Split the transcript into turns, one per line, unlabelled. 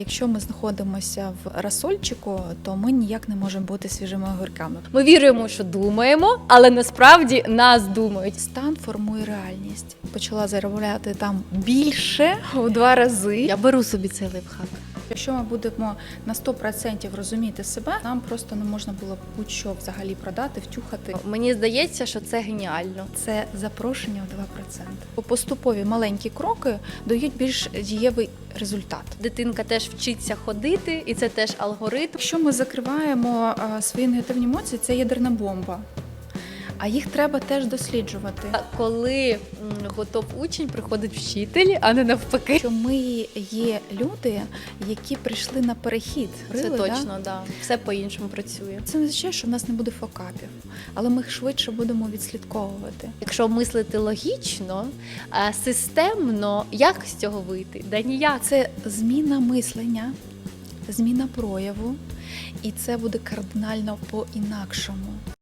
Якщо ми знаходимося в розсольчику, то ми ніяк не можемо бути свіжими огірками.
Ми віримо, що думаємо, але насправді нас думають.
Стан формує реальність. Почала заробляти там більше у 2 рази.
Я беру собі цей лайфхак.
Якщо ми будемо на 100% розуміти себе, нам просто не можна було будь-що взагалі продати, втюхати.
Мені здається, що це геніально.
Це запрошення в 2%. Поступові маленькі кроки дають більш дієвий результат.
Дитинка теж вчиться ходити, і це теж алгоритм.
Якщо ми закриваємо свої негативні емоції, це ядерна бомба. А їх треба теж досліджувати.
Коли готов учень, приходить вчитель, а не навпаки.
Що ми є люди, які прийшли на перехід.
Це
Говорили,
точно, да? Все по-іншому працює.
Це не означає, що в нас не буде факапів, але ми їх швидше будемо відслідковувати.
Якщо мислити логічно, системно, як з цього вийти? Да ніяк.
Це зміна мислення, зміна прояву, і це буде кардинально по-інакшому.